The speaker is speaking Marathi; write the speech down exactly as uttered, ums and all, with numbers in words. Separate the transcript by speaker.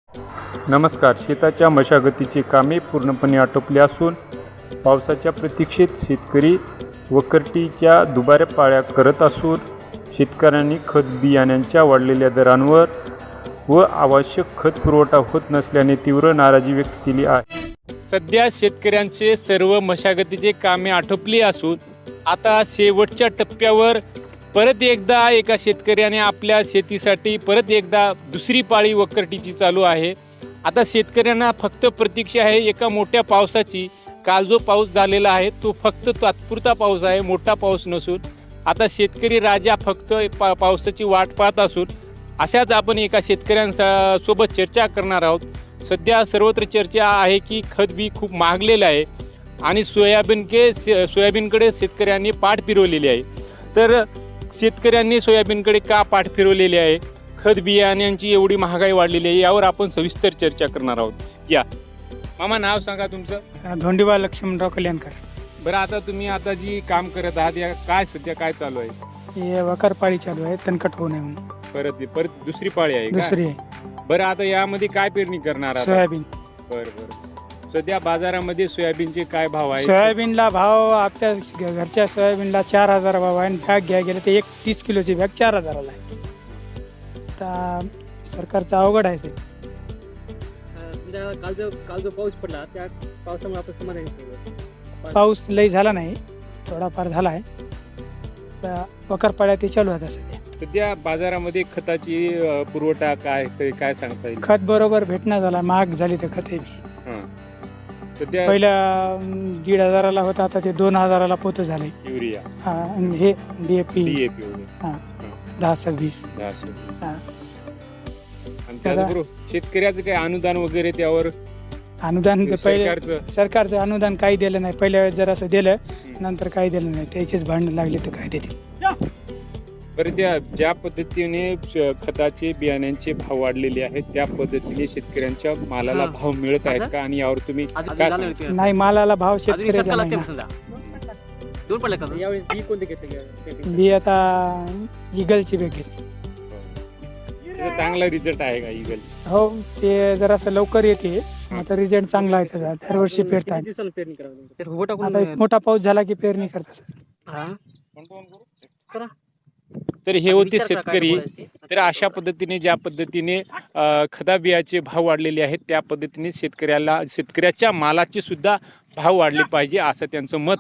Speaker 1: नमस्कार. शेताच्या मशागतीची कामे पूर्णपणे आटोपली असून पावसाच्या प्रतीक्षेत शेतकरी वखरटीच्या दुबाऱ्या पाळ्या करत असून शेतकऱ्यांनी खत बियाण्यांच्या वाढलेल्या दरांवर व आवश्यक खत पुरवठा होत नसल्याने तीव्र नाराजी व्यक्त केली आहे.
Speaker 2: सध्या शेतकऱ्यांचे सर्व मशागतीचे कामे आटोपली असून आता शेवटच्या टप्प्यावर परत एकदा एका शेतकऱ्याने आपल्या शेतीसाठी परत एकदा दुसरी पाळी वखरटीची चालू आहे. आता शेतकऱ्यांना फक्त प्रतीक्षा आहे एका मोठ्या पावसाची. काल जो पाऊस झालेला आहे तो फक्त तात्पुरता पाऊस आहे, मोठा पाऊस नसून. आता शेतकरी राजा फक्त पा पावसाची वाट पाहत असून अशाच आपण एका शेतकऱ्यांसोबत चर्चा करणार आहोत. सध्या सर्वत्र चर्चा आहे की खत बी खूप महागलेलं आहे आणि सोयाबीन के सोयाबीनकडे शेतकऱ्यांनी पाठ फिरवलेली आहे. तर शेतकऱ्यांनी सोयाबीनकडे का पाठ फिरवलेली आहे, खत बियाण्यांची एवढी महागाई वाढलेली आहे, यावर आपण सविस्तर चर्चा करणार आहोत. या मामा, नाव सांगा तुमचं?
Speaker 3: धोंडीबा लक्ष्मणराव कल्याणकर.
Speaker 2: बरं, आता तुम्ही आता जी काम करत आहात या काय सध्या काय चालू आहे?
Speaker 3: हे वकार पाळी चालू आहे, तणकट होऊ नये म्हणून.
Speaker 2: परत परत दुसरी पाळी आहे का?
Speaker 3: दुसरी आहे.
Speaker 2: बरं, आता यामध्ये काय पेरणी करणार आहात?
Speaker 3: सोयाबीन.
Speaker 2: बरं बरं. सध्या बाजारामध्ये सोयाबीनचे काय भाव आहे?
Speaker 3: सोयाबीनला भाव आपल्या घरच्या सोयाबीनला चार हजार भाव आहे आणि बॅग घ्या गेलं तर एक तीस किलोची बॅग चार हजाराला आहे. आता सरकारचं अवघड आहे ते.
Speaker 4: काल जो काल जो पाऊस पडला त्या पावसामुळे आपण समाधानी केलं.
Speaker 3: पाऊस लई झाला नाही, थोडाफार झाला आहे. वकार पाळ्या ते चालू आहेत सध्या.
Speaker 2: सध्या बाजारामध्ये खताची अ, पुरवठा काय काय सांगता येईल?
Speaker 3: खत बरोबर भेटणं झाला, महाग झाली तर खते बी.
Speaker 2: हां. सध्या
Speaker 3: पहिल्या अं, दीड हजाराला होता, आता ते दोन हजाराला पोतं झाले.
Speaker 2: युरिया,
Speaker 3: हा, आणि हे डीएपी
Speaker 2: डीएपी वगैरे
Speaker 3: हा दहा सव्वीस.
Speaker 2: दहा सव्वीस.
Speaker 3: हा.
Speaker 2: आणि त्याचबरोबर शेतकऱ्याचं काही अनुदान वगैरे त्यावर
Speaker 3: अनुदान ते पहिले
Speaker 2: सरकारचं
Speaker 3: सरकारचं अनुदान काही दिलं नाही. पहिल्या वेळेस जर असं दिलं, नंतर काही दिलं नाही. त्याचेच भांडण लागले तर काय देतील.
Speaker 2: बरं, त्या ज्या पद्धतीने श- खताचे बियाण्यांचे भाव वाढलेले आहेत त्या पद्धतीने शेतकऱ्यांच्या मालाला
Speaker 4: हां.
Speaker 2: भाव मिळत आहेत का, आणि यावर तुम्ही
Speaker 4: अजून
Speaker 2: काय
Speaker 4: झालं
Speaker 2: सांगता?
Speaker 4: नाही.
Speaker 3: नाही, मालाला भाव
Speaker 4: अजून
Speaker 3: शेतकऱ्याचा
Speaker 4: सरकारला
Speaker 3: नाही
Speaker 4: ते
Speaker 3: ना.
Speaker 4: समजा. दोन पडले का यावेळेस बी कोणते घेतले?
Speaker 3: बी आता इगलची बॅग घेतली.
Speaker 2: त्याचा चांगला रिझल्ट आहे का इगलचा?
Speaker 3: हो, ते जरासं लवकर येते. आता रिझल्ट चांगला आहे त्याचा. दरवर्षी पेरतात.
Speaker 4: किती दिवसाला पेरणी करावी? तर उभं टाकून
Speaker 3: आता एक मोठा पाऊस झाला की पेरणी करतात.
Speaker 4: हा. करा.
Speaker 2: तर हे होते
Speaker 4: विचार करा काय
Speaker 2: शेतकरी.
Speaker 4: बोलायचं ते.
Speaker 2: तर अशा पद्धतीने ज्या पद्धतीने अ, खता बियाचे भाव वाढलेले आहेत त्या पद्धतीने शेतकऱ्याला शेतकऱ्याच्या मालाचे सुद्धा भाव वाढले पाहिजे असं त्यांचं मत